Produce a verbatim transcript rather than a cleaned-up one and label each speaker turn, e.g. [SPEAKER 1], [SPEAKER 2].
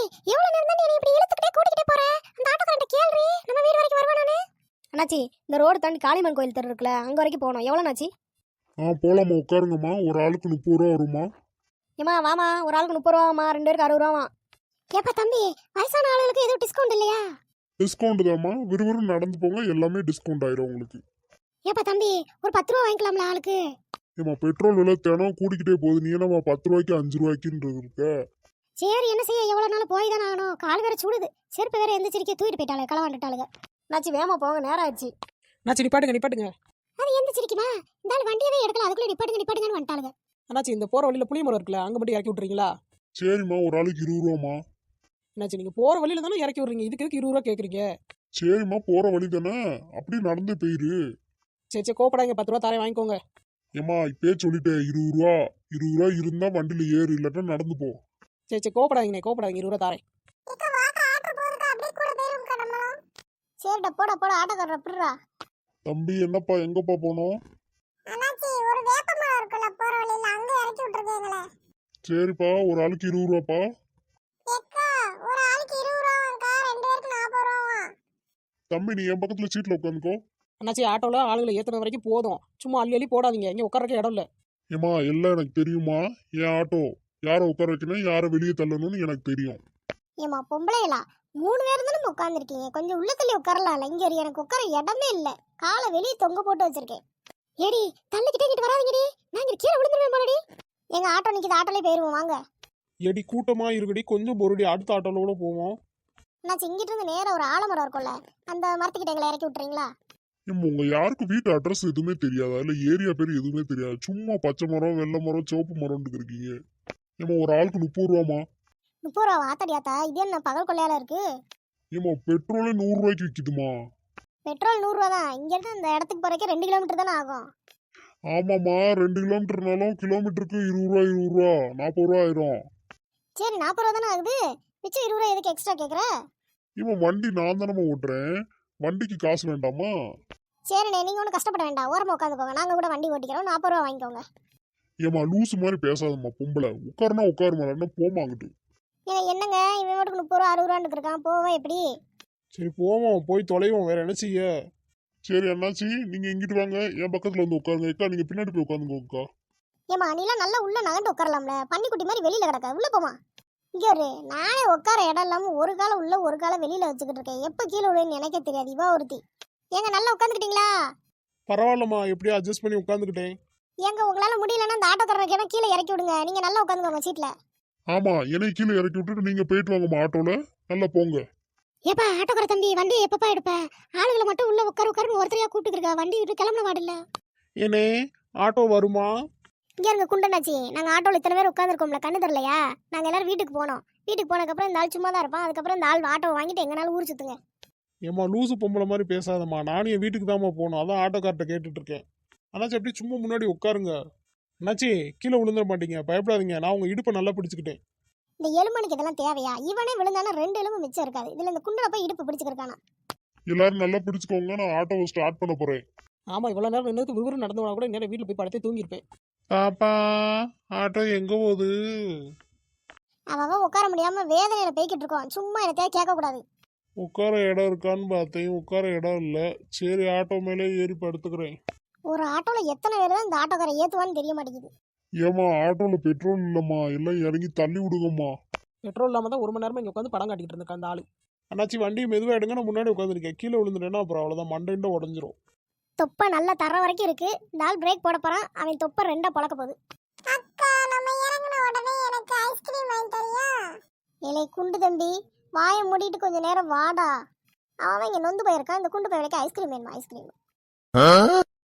[SPEAKER 1] எவ்வளவு நேரம் தான் நீ இப்படி இழுத்துக்கிட்டே கூட்டிக்கிட்டே போற? அந்த ஆட்டோக்காரன்ட்ட கேள்றி, நம்ம வீடு வரைக்கும் வருவானானே? அண்ணாச்சி, இந்த ரோடு தாண்டி காளிமன் கோயில் தெரு இருக்குல, அங்க வரைக்கும் போகணும். எவ்வளவு நாச்சி?
[SPEAKER 2] ஆ போலாமா, உட்காருங்கம்மா. ஒரு ஆளுக்கு முப்பது ரூபா வருமா?
[SPEAKER 1] ஏமா வாமா, ஒரு ஆளுக்கு முப்பது ரூபாமா, ரெண்டு பேருக்கு அறுபது ரூபாமா. ஏப்பா தம்பி, வயசான ஆளுகளுக்கு எதுவும் டிஸ்கவுண்ட் இல்லையா?
[SPEAKER 2] டிஸ்கவுண்ட் தாம்மா, விறுவிறு நடந்து போங்க, எல்லாமே டிஸ்கவுண்ட் ஆயிரும் உங்களுக்கு.
[SPEAKER 1] ஏப்பா தம்பி, ஒரு பத்து ரூபா வாங்கிக்கலாம்ல ஆளுக்கு?
[SPEAKER 2] ஏமா பெட்ரோல் விலை தினம் கூடிக்கிட்டே போகுது, நீ என்னம்மா பத்து ரூபாய்க்கு அஞ்சு ரூபாய்க்குன்றது இருக்க?
[SPEAKER 1] சரி, என்ன செய்ய, எவ்வளவு நாள் போய் தானே ஆகணும். கால் வேற சூடுது, செருப்பு வேற எந்திரிக்க தூக்கிட்டு போயிட்டாளுங்க, களவாண்டுட்டாளுங்க. நாச்சி வேமா போங்க, நேரம் ஆயிடுச்சு.
[SPEAKER 3] அண்ணாச்சி நிப்பாட்டுங்க நிப்பாட்டுங்க.
[SPEAKER 1] அது எந்திரிக்குமா? இந்த ஆள் வண்டியவே எடுக்கல, அதுக்குள்ள நிப்பாட்டுங்க நிப்பாட்டுங்கன்னு வந்துட்டாளுங்க.
[SPEAKER 3] அண்ணாச்சி, இந்த போற வழியில புளிய மரம் இருக்குல்ல, அங்க மட்டும் இறக்கி விட்டுறீங்களா?
[SPEAKER 2] சரிம்மா, ஒரு ஆளுக்கு இருபது ரூபாமா.
[SPEAKER 3] என்னாச்சு, நீங்க போற வழியில தானே இறக்கி விடுறீங்க, இதுக்கு எதுக்கு இருபது ரூபா கேக்குறீங்க?
[SPEAKER 2] சரிம்மா, போற வழி தானே, அப்படி நடந்து போயிரு.
[SPEAKER 3] சரி சரி, கோப்படாங்க, பத்து ரூபா தாரே வாங்கிக்கோங்க.
[SPEAKER 2] ஏமா இப்பே சொல்லிட்டேன், இருபது ரூபா இருபது ரூபா இருந்தா வண்டியில ஏறு, இல்லாட்டா நடந்து போ.
[SPEAKER 3] சரி சரி, கோப்படாதீங்க கோப்படாதீங்க, இருபது ரூபா தாரேன்.
[SPEAKER 1] சரிடா, போடா போடா, ஆட்டோக்காரர் அப்படிரா.
[SPEAKER 2] தம்பி என்னப்பா, எங்கப்பா போனோம்? சரிப்பா, ஒரு ஆளுக்கு இருபது ரூபாப்பா. தம்பி நீ என் பக்கத்துல சீட்ல உட்காந்துக்கோ.
[SPEAKER 3] அண்ணாச்சி, ஆட்டோல ஆளுகளை ஏத்துன வரைக்கும் போதும், சும்மா அள்ளி அள்ளி போடாதீங்க, இங்க உட்காரக்க இடம் இல்ல.
[SPEAKER 2] ஏமா எல்லாம் எனக்கு தெரியுமா, என் ஆட்டோ யாரை உட்கார வைக்கணும், யாரை வெளியே தள்ளணும்னு எனக்கு தெரியும்.
[SPEAKER 1] ஏமா பொம்பளைகளா, மூணு பேர் தானே உட்காந்துருக்கீங்க, கொஞ்சம் உள்ள தள்ளி உட்காரலாம்ல. இங்க ஒரு எனக்கு உட்கார இடமே இல்ல, காலை வெளியே தொங்க போட்டு வச்சிருக்கேன். ஏடி தள்ளிக்கிட்டே கிட்ட வராதீங்கடி, நாங்க கீழே விழுந்துருவேன் போலடி. எங்க ஆட்டோ நிக்குது, ஆட்டோலே போயிருவோம் வாங்க.
[SPEAKER 2] எடி கூட்டமா இருக்குடி, கொஞ்சம் பொருடி, அடுத்த ஆட்டோல கூட போவோம்.
[SPEAKER 1] நான் இங்கிட்டு இருந்து நேரம் ஒரு ஆலமரம் இருக்கும்ல, அந்த மரத்துக்கிட்ட எங்களை இறக்கி விட்டுறீங்களா?
[SPEAKER 2] ஏம்மா உங்க யாருக்கு வீட்டு அட்ரஸ் எதுவுமே தெரியாதா, இல்ல ஏரியா பேர் எதுவுமே தெரியாது, சும்மா பச்சை மரம் வெள்ளை மரம் சிவப்பு மரம் இருக்கீங்க. ஏமா ஒரு ஆளுக்கு முப்பது ரூபாமா.
[SPEAKER 1] முப்பது ரூபா ஆத்தடியாத்தா, இது என்ன பகல் கொள்ளையால இருக்கு?
[SPEAKER 2] ஏமா பெட்ரோலே நூறு ரூபாய்க்கு விக்குதுமா.
[SPEAKER 1] பெட்ரோல் நூறு ரூபா தான், இங்க இருந்து இந்த இடத்துக்கு போறதுக்கு ரெண்டு கிலோமீட்டர் தானே ஆகும்.
[SPEAKER 2] ஆமாம்மா, ரெண்டு கிலோமீட்டர்னாலும் கிலோமீட்டருக்கு இருபது ரூபா இருபது ரூபா நாற்பது ரூபா ஆயிரும்.
[SPEAKER 1] சரி, நாற்பது ரூபா தானே ஆகுது, மிச்சம் இருபது ரூபா எதுக்கு எக்ஸ்ட்ரா கேக்குற?
[SPEAKER 2] இவன் வண்டி நான் தானே ஓட்டுறேன், வண்டிக்கு காசு வேண்டாமா?
[SPEAKER 1] சரிண்ணே, நீங்க ஒன்றும் கஷ்டப்பட வேண்டாம், ஓரமா உட்காந்துக்கோங்க, நாங்க கூட வண்டி ஓட்டிக்கிறோம், நாற்பது ரூபா வாங்கிக்கோங்க.
[SPEAKER 2] ஏமா லூசு மாதிரி பேசாதம்மா பொம்பளை, உட்காருனா உட்காருமா, என்ன போமாங்கிட்டு.
[SPEAKER 1] ஏங்க என்னங்க, இவன் மட்டும் முப்பது ரூபா அறுபது ரூபான்னு இருக்கான், போவேன் எப்படி?
[SPEAKER 2] சரி போவோம், போய் தொலைவோம், வேற என்ன செய்ய. சரி அண்ணாச்சி, நீங்க இங்கிட்டு வாங்க, என் பக்கத்துல வந்து உட்காருங்க. அக்கா நீங்க பின்னாடி போய் உட்காந்துக்கோக்கா.
[SPEAKER 1] ஏமா நீலாம் நல்லா உள்ள நகண்டு உட்காரலாம்ல, பன்னிக்குட்டி மாதிரி வெளியில கிடக்க, உள்ள போமா. இங்க ஒரு நானே உட்கார இடம் இல்லாம ஒரு காலம் உள்ள ஒரு காலம் வெளியில வச்சுக்கிட்டு இருக்கேன், எப்ப கீழே விழுன்னு எனக்கே தெரியாது. இவா ஒருத்தி. ஏங்க நல்லா உட்காந்துக்கிட்டீங்களா?
[SPEAKER 2] பரவாயில்லம்மா, எப்படியும் அட்ஜஸ்ட் பண்ணி உட்காந்துக்கிட்டேன்.
[SPEAKER 1] ஏங்க உங்களால முடியலன்னா அந்த ஆட்டோக்காரனுக்கு என்ன கீழே இறக்கி விடுங்க, நீங்க நல்லா உட்காந்துக்கோங்க சீட்ல.
[SPEAKER 2] ஆமா, என்னை கீழே இறக்கி விட்டுட்டு நீங்க போயிட்டு வாங்கம்மா ஆட்டோல, நல்லா போங்க.
[SPEAKER 1] ஏப்பா ஆட்டோக்கார தம்பி, வண்டி எப்பப்பா எடுப்ப? ஆளுகளை மட்டும் உள்ள உட்கார உட்காருன்னு ஒருத்தரையா கூப்பிட்டு இருக்க, வண்டி விட்டு கிளம்புன வாடில்ல.
[SPEAKER 2] ஏனே ஆட்டோ வருமா?
[SPEAKER 1] இங்க இருங்க குண்டனாச்சி, நாங்க ஆட்டோல இத்தனை பேர் உட்காந்துருக்கோம்ல, கண்ணு தெரியலையா? நாங்க எல்லாரும் வீட்டுக்கு போனோம், வீட்டுக்கு போனதுக்கப்புறம் இந்த ஆள் சும்மா தான் இருப்பான், அதுக்கப்புறம் இந்த ஆள் ஆட்டோ வாங்கிட்டு எங்கனாலும் ஊர் சுத்துங்க.
[SPEAKER 2] ஏமா லூசு பொம்பளை மாதிரி பேசாதம்மா, நானும் என் வீட்டுக்கு தாம்மா போகணும், அதான் ஆட்டோக்கார்ட்ட கேட்டுட்டு இருக்கேன். அண்ணாச்சி அப்படி சும்மா முன்னாடி உட்காருங்க. அண்ணாச்சி கீழே விழுந்துட மாட்டீங்க, பயப்படாதீங்க, நான் உங்க இடுப்பை நல்லா பிடிச்சிக்கிட்டேன்.
[SPEAKER 1] இந்த எலும்பனுக்கு இதெல்லாம் தேவையா? இவனே விழுந்தானா ரெண்டு எலும்பு மிச்சம் இருக்காது, இதுல இந்த குண்டனை போய் இடுப்பு பிடிச்சிருக்கானா.
[SPEAKER 2] எல்லாரும் நல்லா பிடிச்சுக்கோங்க, நான் ஆட்டோவை ஸ்டார்ட் பண்ண போறேன்.
[SPEAKER 3] ஆமா, இவ்வளவு நேரம் நின்று விறுவிறு நடந்து போனா கூட நேரம் வீட்டுல போய் படத்தை தூங்கியிருப்பேன்.
[SPEAKER 2] பாப்பா ஆட்டோ எங்க போகுது?
[SPEAKER 1] அவன் உட்கார முடியாம வேதனையில போய்கிட்டு இருக்கான், சும்மா என்னத்தையா கேட்க கூடாது.
[SPEAKER 2] உட்கார இடம் இருக்கான்னு பார்த்தேன், உட்கார இடம் இல்ல. சரி ஆட்டோ மேலே ஏறி படுத்துக்கிறேன்.
[SPEAKER 1] ஒரு ஆட்டோல எத்தனை பேர் தான் இந்த ஆட்டோக்கார ஏத்துவான்னு தெரிய மாட்டேங்குது.
[SPEAKER 2] ஏமா ஆட்டோல பெட்ரோல் இல்லம்மா, எல்லாம் இறங்கி தள்ளி விடுங்கம்மா.
[SPEAKER 3] பெட்ரோல் இல்லாம தான் ஒரு மணி நேரமா இங்க உட்காந்து படம் காட்டிட்டு இருந்திருக்க அந்த ஆளு.
[SPEAKER 2] அண்ணாச்சி வண்டியை மெதுவாக எடுங்க, நான் முன்னாடி உட்காந்துருக்கேன், கீழே விழுந்துட்டேன்னா அப்புறம் அவ்வளோதான், மண்டைண்ட உடஞ்சிரும்.
[SPEAKER 1] தொப்பை நல்லா தர வரைக்கும் இருக்கு, இந்த ஆள் பிரேக் போட போறான், அவன் தொப்பை ரெண்டா பழக்க போகுது. அக்கா நம்ம இறங்கின உடனே எனக்கு ஐஸ்கிரீம் வாங்கி தரியா? ஏலே குண்டு தம்பி, வாயை மூடிட்டு கொஞ்ச நேரம் வாடா. அவன் இங்க நொந்து போயிருக்கான், இந்த குண்டு போய் ஐஸ்கிரீம் வேணுமா? ஐஸ்கிரீம்